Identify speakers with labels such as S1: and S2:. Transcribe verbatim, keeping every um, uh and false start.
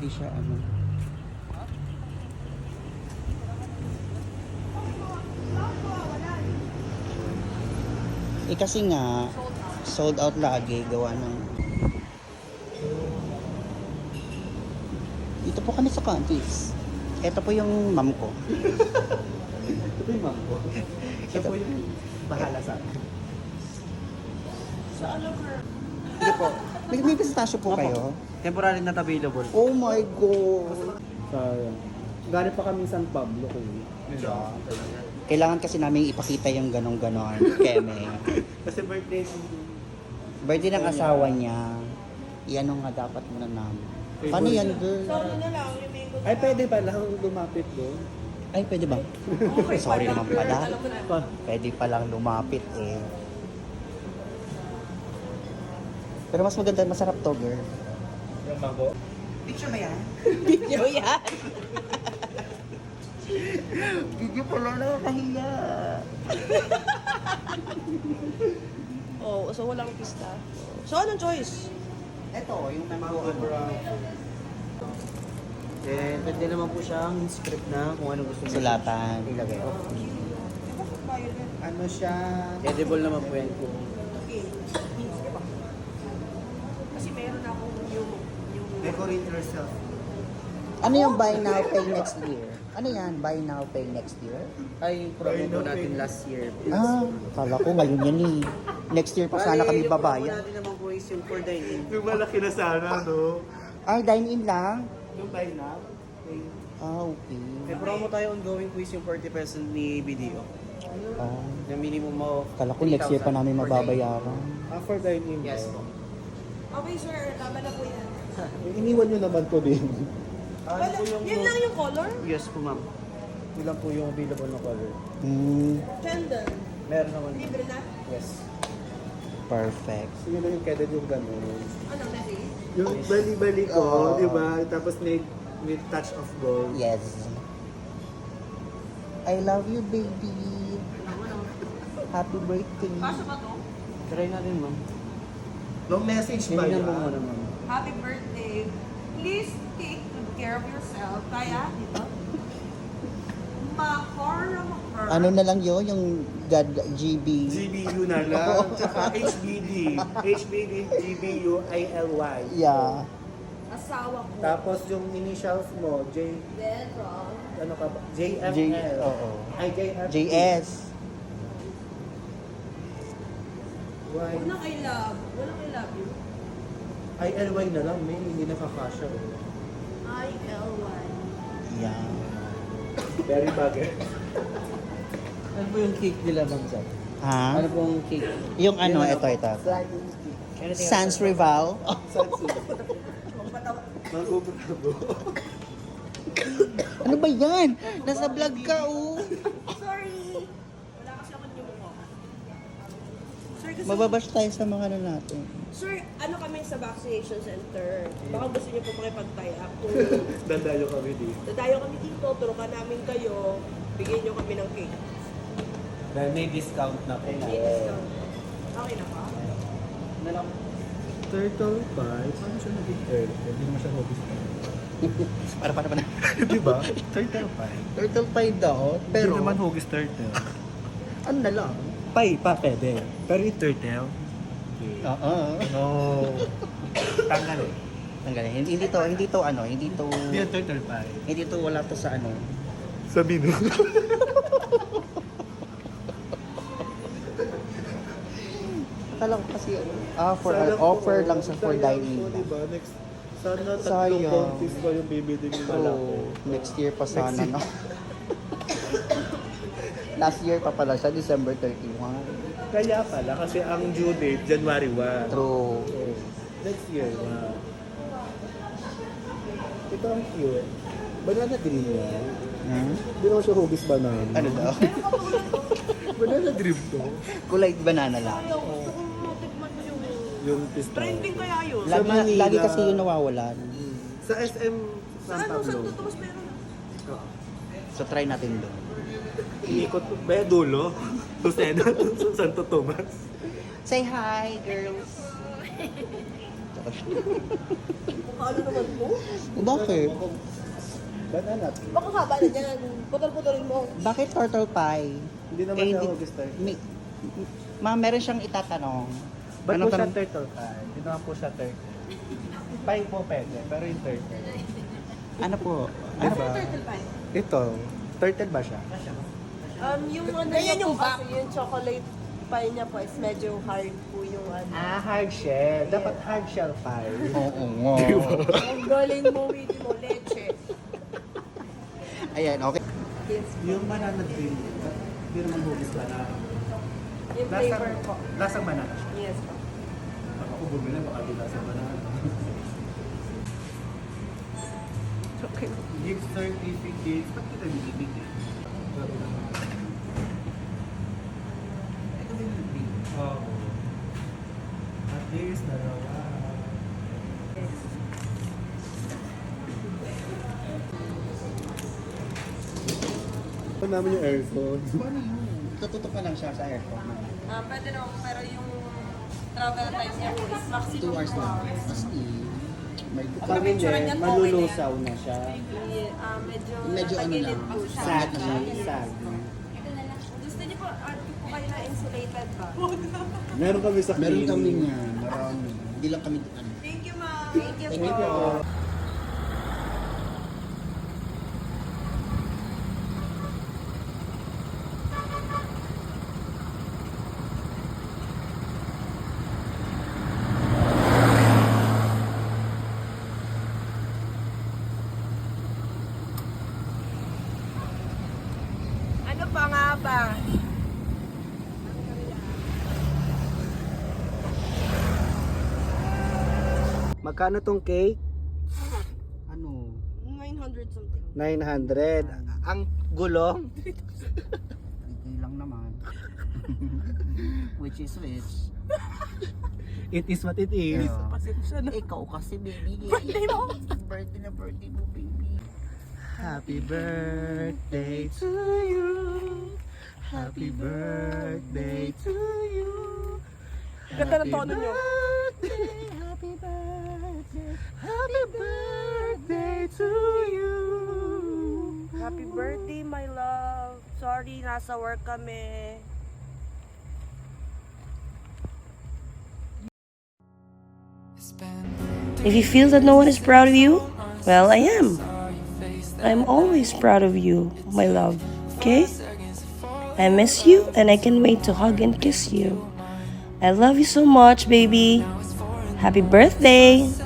S1: hindi siya ano. Eh kasi nga, sold out lagi, gawa ng... Dito po kami sa countries. Ito po yung mom ko.
S2: Ito yung mom ko. Siya po yung bahala sa akin.
S3: Sa ano, girl?
S1: Hindi po. May, may pistachio po
S2: Opo.
S1: kayo?
S2: Temporary not available.
S1: Oh my God!
S2: Sayang. Galing pa kami San Pablo ko.
S1: Kailangan kasi namin ipakita yung ganong-ganon. Keme.
S2: Kasi birthday ng
S1: Birthday ng asawa niya. Yan ang nga dapat muna namin. Paano yan, girl?
S3: So, ano na lang, yung mango.
S2: Ay, pwede pa lang lumapit doon.
S1: Ay, pwede ba?
S3: Okay,
S1: Sorry
S3: pala,
S1: naman
S3: girl.
S1: pala.
S3: Alam mo na.
S2: Pa.
S1: Pwede palang lumapit eh. Pero mas maganda, masarap to, girl.
S2: Yung mango.
S1: Picture ba yan?
S3: Video yan.
S1: Video pala, nakakahiya.
S3: Oh, so walang pista. So, anong choice?
S1: Ito, yung mango ano.
S2: Eh, pwede naman po siyang script na kung ano gusto niyo.
S1: Sulatan.
S2: Ilagay.
S1: Ano siya?
S2: Edible naman po yan kung
S3: Okay. Kasi meron akong yung... yung
S2: decorate yourself.
S1: Ano yung buy now, pay next year? Ano yan? Buy now, pay next year?
S2: Ay, promo po natin last year.
S1: Ah, kala ko ngayon yan eh. Next year pa sana kami
S2: Bali, Yung
S1: babayan.
S2: promo natin naman po is yung for dining.
S4: Yung malaki na sana, no?
S1: Ay, dine-in lang?
S2: Yung buy now. Okay.
S1: Ah, okay.
S2: May promo tayo ongoing quiz yung forty percent ni B D O.
S1: Ah,
S2: Na minimum mo
S1: kala ko next year pa namin
S2: for
S1: mababayaran.
S4: Ah, for dining.
S2: dining. Yes po.
S3: Okay, sir. Tama na po yan.
S4: Iniwan nyo naman ko din.
S2: Ah,
S3: Wala,
S2: ano po yung,
S3: yun lang yung color?
S2: Yes po ma'am.
S4: Yun lang po yung available na color.
S1: Hmm,
S3: Gender.
S2: Meron naman.
S3: Libre na?
S2: Yes.
S1: perfect.
S4: So yun lang yung keda yung gano'n.
S3: Ano, Mary?
S4: Yung bali-bali ko,
S1: Oo.
S4: di ba? Tapos may, may touch of gold.
S1: Yes. I love you, baby. Happy birthday.
S3: Kasha ba to?
S2: Try natin ma'am.
S4: Long message ba
S2: Hindi
S4: yan?
S2: mo muna ma'am.
S3: Happy birthday. Please take good care of yourself. Kaya, dito? Mahor na mahor.
S1: Ano na lang yun, yung God G B.
S4: G B U na lang. Tsaka H B D. H B D, G B U I L Y.
S1: Yeah.
S3: Asawa ko.
S4: Tapos yung initials mo, J,
S3: Then, wrong.
S4: ano ka ba? J F
S1: J,
S4: L.
S1: oo.
S4: Ay, J F
S1: J S.
S4: Y.
S3: Walang I love. Walang I love you.
S4: I L Y na lang, may hindi nakakasya.
S3: I L Y.
S1: Yeah.
S4: Very bagay.
S2: Ano po yung cake nila ma'am Zach?
S1: Ha?
S2: Ano pong cake?
S1: Yung ano, ito, ito.
S2: Anything
S1: Sans Rival.
S4: Mag-ubrabo.
S1: Ano ba yan? Nasa vlog ka, oh.
S3: Sorry. Wala kasi ako yung mukha. Sir, kasi...
S1: Mababash tayo sa mga ano natin.
S3: Sir, ano kami sa vaccination center? Baka gusto niyo po makipag-tie up. Kung
S4: Dandayo kami dito.
S3: dadayo kami dito, turukan namin kayo, bigyan niyo kami ng cake.
S2: Dahil may discount na po.
S3: May discount. Okay na pa?
S2: Na lang.
S4: Turtle pie? Paano siya naging turtle? Hindi naman siya hobby pie.
S1: Para, para, para.
S4: Di ba? Turtle pie.
S1: Turtle pie daw,
S4: Pero,
S1: pero
S4: Hindi naman hugis turtle.
S1: ano na lang?
S4: Pie pa pwede. Pero yung turtle?
S1: Oo.
S4: No. Tanggal eh.
S1: Tanggalin. Hindi, hindi to, hindi to ano, hindi to,
S4: Hindi yung turtle pie.
S1: hindi to, wala to sa ano.
S4: Sabi no.
S1: Akala ko kasi, ah, for
S4: Sayang
S1: offer
S4: po,
S1: lang sa for
S4: sayang
S1: dining.
S4: po, diba? Next, sana tatlong
S1: Sayang.
S4: contest pa yung bibili nyo na lang.
S1: So, next year pa sana,
S4: Next year.
S1: no? Last year pa pala siya, December thirty-first.
S4: Kaya pala, kasi ang due date, January first.
S1: True.
S4: So, next year, wow. Ito ang cute. Banana dream yan.
S1: Hmm?
S4: Hindi naman siya hugis banana.
S1: Ano daw?
S4: Banana dream to.
S1: Kulay banana lang.
S3: Ayaw, gusto kong matikman mo yung...
S4: Yung pistachio.
S3: Trending kaya yun?
S4: Sa
S1: Lagi,
S4: Manila.
S1: lagi kasi yun nawawalan.
S4: Sa S M
S3: Sa
S4: San
S3: ano, sa
S4: Pablo.
S3: Tomas meron na.
S4: Oo.
S1: So, try natin doon.
S4: Inikot, ba dulo? Lucena, Santo Tomas.
S1: Say hi, girls.
S3: Ano naman mo?
S1: Bakit?
S2: Banana.
S3: Baka haba na dyan. Putol-putulin mo.
S1: Bakit turtle pie?
S2: Hindi naman
S1: Eh,
S2: siya
S1: hindi-
S2: August thirty.
S1: May, ma'am, meron siyang itatanong.
S2: Ba't
S1: Anong
S2: po siya
S1: tanong?
S2: turtle pie? Hindi naman po siya turtle. Pie po pwede, pero yung turtle.
S1: Ano po?
S2: Ano
S1: Ano
S2: ba?
S3: Turtle pie.
S2: Ito, turtle ba siya?
S3: Um, yung ano
S5: Ganyan
S3: niya
S5: yung
S3: po kasi, yung chocolate pie niya po is medyo hard po yung ano.
S2: Ah, hard shell. Dapat hard shell pie.
S1: Oo nga.
S3: Ang galing mo, hindi mo, leche.
S1: Ayan, okay.
S3: Yes.
S2: Yung banana drink, hindi naman hugis banana.
S3: Yung flavor po.
S2: Lasang banana siya.
S3: Yes po.
S2: Baka ako bumili, baka di lasang banana.
S3: Okay.
S2: Gift certificates, ba't kita binibigyan? Ito din yung pink. Oo. At least, dalawa. Ito namin yung aircon.
S1: Paano yun? Tututok na lang siya sa aircon.
S3: Um, pwede naman, pero yung travel time niya po is maximum
S1: Two hours
S3: two
S1: lang.
S3: hours.
S1: As in, may
S3: Ang picture niya, okay
S2: malulusaw na siya.
S3: Yeah, ah, medyo,
S1: Medyo ano
S3: natagilid
S1: lang,
S3: po siya.
S1: sagit na
S3: Yes.
S2: Sagit.
S3: Gusto niyo po, add po kayo na insulated ba?
S2: Meron kami sa
S1: Meron
S2: cleaning.
S1: kami niya. Marami. Hindi lang kami ano.
S3: Thank you, ma'am. Thank you,
S1: Thank you
S3: po.
S1: po.
S3: Ano pa nga ba?
S2: Magkano tong cake?
S1: Ano?
S3: nine hundred something.
S2: nine hundred. Ang gulong?
S1: Hindi lang naman. Which is which?
S2: It is what it is.
S1: Yeah.
S3: Pasensya na.
S1: Ikaw kasi baby.
S3: Birthday mo.
S1: Birthday na birthday mo baby.
S2: Happy birthday to you. Happy birthday to you.
S3: Ganda ng tono niyo.
S2: Birthday, happy birthday. Happy birthday to you.
S3: Happy birthday, my love. Sorry, nasa work kami.
S5: If you feel that no one is proud of you, well, I am. I'm always proud of you, my love. Okay? I miss you and I can't wait to hug and kiss you. I love you so much, baby. Happy birthday!